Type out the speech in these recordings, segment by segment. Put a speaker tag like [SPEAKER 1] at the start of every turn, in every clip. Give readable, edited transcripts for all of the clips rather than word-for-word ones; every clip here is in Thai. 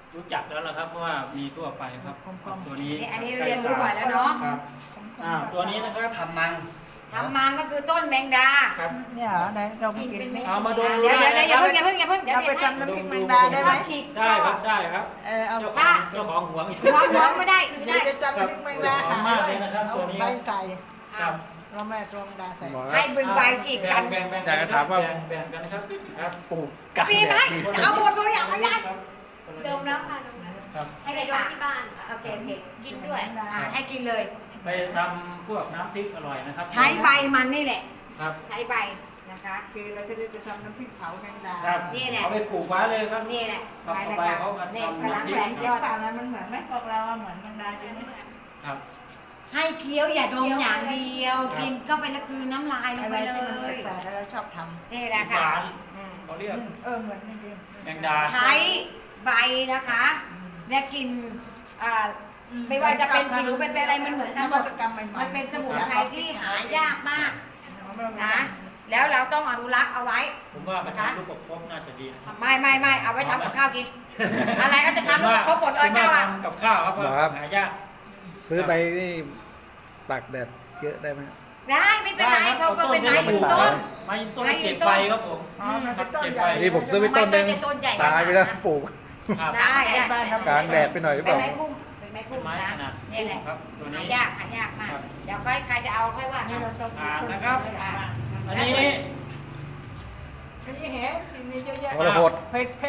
[SPEAKER 1] รู้จักแล้วล่ะครับเพราะว่ามีทั่วไปครับตัวนี้
[SPEAKER 2] อันนี้เรียนรู้บ่อยแล้วเนาะ
[SPEAKER 1] ครับตัวนี้นะครับ
[SPEAKER 3] ทำมัง
[SPEAKER 2] ก็คือต้นแมงดา
[SPEAKER 4] ครับเนี่ยเหรอไหนเราไปกิน
[SPEAKER 1] เอามาดู
[SPEAKER 2] เดี๋ยวอย่าเพิ่ง
[SPEAKER 4] เราไปทำน้ำพริกแมงดาได้ไหม
[SPEAKER 1] ได้ครับได้ครับ
[SPEAKER 4] เอา
[SPEAKER 1] เจ้าของห่วง
[SPEAKER 2] ไม่ได้
[SPEAKER 4] ไปทำน้ำพริกแมงดา
[SPEAKER 1] มากเลยนะครับตัวนี้
[SPEAKER 4] ใบใส่
[SPEAKER 1] ครับ
[SPEAKER 4] เราแม่ตรงดาใส่
[SPEAKER 2] ให้เป็นใบฉีกกัน
[SPEAKER 1] อยากจะถามว่าแบ่งกันนะครับครับ
[SPEAKER 3] ปลูกกั
[SPEAKER 2] มีไหมจะเอาหมดเลยอยากไม่ได้
[SPEAKER 5] ดมแล้วค่ะดมแล้วให้ไปดมที่บ้าน
[SPEAKER 2] โอเค
[SPEAKER 5] กินด้วย
[SPEAKER 2] ให้กินเลย
[SPEAKER 1] ไปทำพวกน้ำพริกอร่อยนะครับ
[SPEAKER 2] ใช้ใบมันนี่แหละ
[SPEAKER 1] ครับ
[SPEAKER 2] ใช้ใบนะคะ
[SPEAKER 4] คือเราจะได้ไปทำน้ำพริกเผาแมงดา
[SPEAKER 2] นี่แหละ
[SPEAKER 1] เอาไปปลูกไว้เลยครับ
[SPEAKER 2] นี่แหละ
[SPEAKER 1] ใบเขามา
[SPEAKER 2] เนี่ยกำลังแหลมยอด
[SPEAKER 4] มันเหมือนไหมพวกเราเหมือนแมงดาจริง
[SPEAKER 1] ครับ
[SPEAKER 2] ให้เคี้ยวอย่าดมอย่างเดียวกินก็ไปละคือน้ำลายลงไปเลย
[SPEAKER 4] แต่เราชอบทำ
[SPEAKER 2] นี่แหละค่ะ
[SPEAKER 1] เขาเรียก
[SPEAKER 4] เหมือนจริง
[SPEAKER 1] แมงดา
[SPEAKER 2] ใช้ใบนะคะและกินไม่ว่าจะเป็นผิวเป็นอะไรมันเหมือนกันหมดมันเป็นสมุนไพรที่หายากมากนะแล้วเราต้องอนุรักษ์เอาไว้
[SPEAKER 1] ผมว่ามันทำลูกประคบน่าจะดีนะครับ
[SPEAKER 2] ไม่เอาไว้ทำกับข้าวกินอะไรก็จะทำลูกประคบหมดเลยเจ้าอ่ะ
[SPEAKER 1] กับข้าวครับหายาก
[SPEAKER 3] ซื้อไปนี่ตากแดดเยอะได้ไหม
[SPEAKER 2] ได้ไม่เป็นไรเพราะเป็นไม้ยืนต้น
[SPEAKER 1] ไม้ยืนต้นเก็บใบครับผม
[SPEAKER 4] เก็บใบ
[SPEAKER 3] นี่ผมซื้อไปต้นนึงตายไปแล้วปลูก
[SPEAKER 2] ได้
[SPEAKER 3] กลางแดดไปหน่อยหรือเปล่า
[SPEAKER 2] เป็นไม้พุ่มนะนี่แหละหายากมากเดี๋ยวก็ใครจะเอาค่อยว่ากัน
[SPEAKER 1] นะครับอันนี้
[SPEAKER 4] นี่เห็นมีเยอะแยะ
[SPEAKER 3] วรพจน์
[SPEAKER 4] เพชร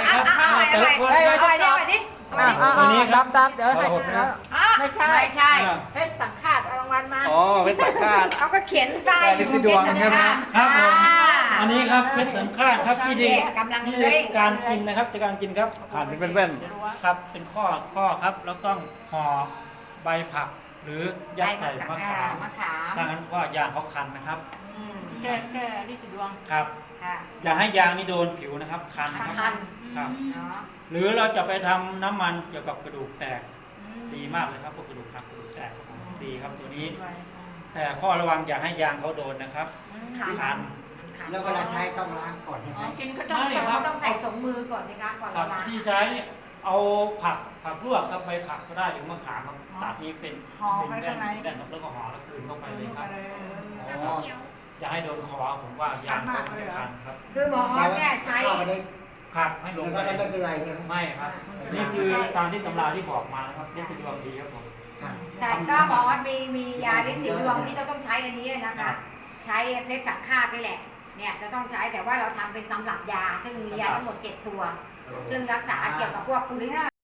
[SPEAKER 2] อะไรดิ
[SPEAKER 4] ดับเดี๋ยวไม่ใช่เพชรสังฆาตเอารางวัลมา
[SPEAKER 3] เพชรสังฆาต
[SPEAKER 2] เขาก็เขียนป้าย
[SPEAKER 3] ลิซิดวงใช่ไหม
[SPEAKER 1] ครับผมอันนี้ครับเพชรสังฆาตครับที่ดี
[SPEAKER 2] กำลังเลย
[SPEAKER 1] การกินนะครับการกินครับ
[SPEAKER 3] หั่นเป็นแว่น
[SPEAKER 1] ครับเป็นข้อครับแล้วต้องห่อใบผักหรือยัดใส่มะขามถ้างั้นก็ยางเขาคันนะครับ
[SPEAKER 4] แค่ลิซิดวง
[SPEAKER 1] ครับอย่าให้ยางนี่โดนผิวนะครับคันนะครับครับหรือเราจะไปทำน้ำมันเกี่ยวกับกระดูกแตกดีมากเลยครับพวกกระดูกหักกระดูกแตกดีครับตัวนี้แต่ข้อระวังอย่าให้ยางเขาโดนนะครับคัน
[SPEAKER 6] แล้วเวลาใช้ต้องล้างก่อนใช่ไหม
[SPEAKER 4] กินก็
[SPEAKER 2] ต้องใส่ถุงมือก่อนนะคะก่อนล้าง
[SPEAKER 1] ที่ใช้เอาผักลวกครับไปผักก็ได้หรือมะขามตัดนี้เป็นแผ่นแล้วก็ห่อแล้วกลืนเข้าไปเลยครับอย่าให้โดนคอผมว่ายางเขาไม่คันครับ
[SPEAKER 2] คือหมอเนี่ยใช้
[SPEAKER 1] ครับให้ลง
[SPEAKER 6] ก็ไม่เป็นไรใช่ไหม
[SPEAKER 1] ไม่ครับนี่คือตามที่ตำราที่บอกมานะครับลิซิดวงดีครับผม
[SPEAKER 2] แต่ก็หมอมียาลิซิดวงที่ต้องใช้อันนี้นะคะใช้เพชรสังฆาตนี่แหละเนี่ยจะต้องใช้แต่ว่าเราทำเป็นตำรับยาซึ่งมียาทั้งหมด7 ตัวซึ่งรักษาเกี่ยวกับพวกลิ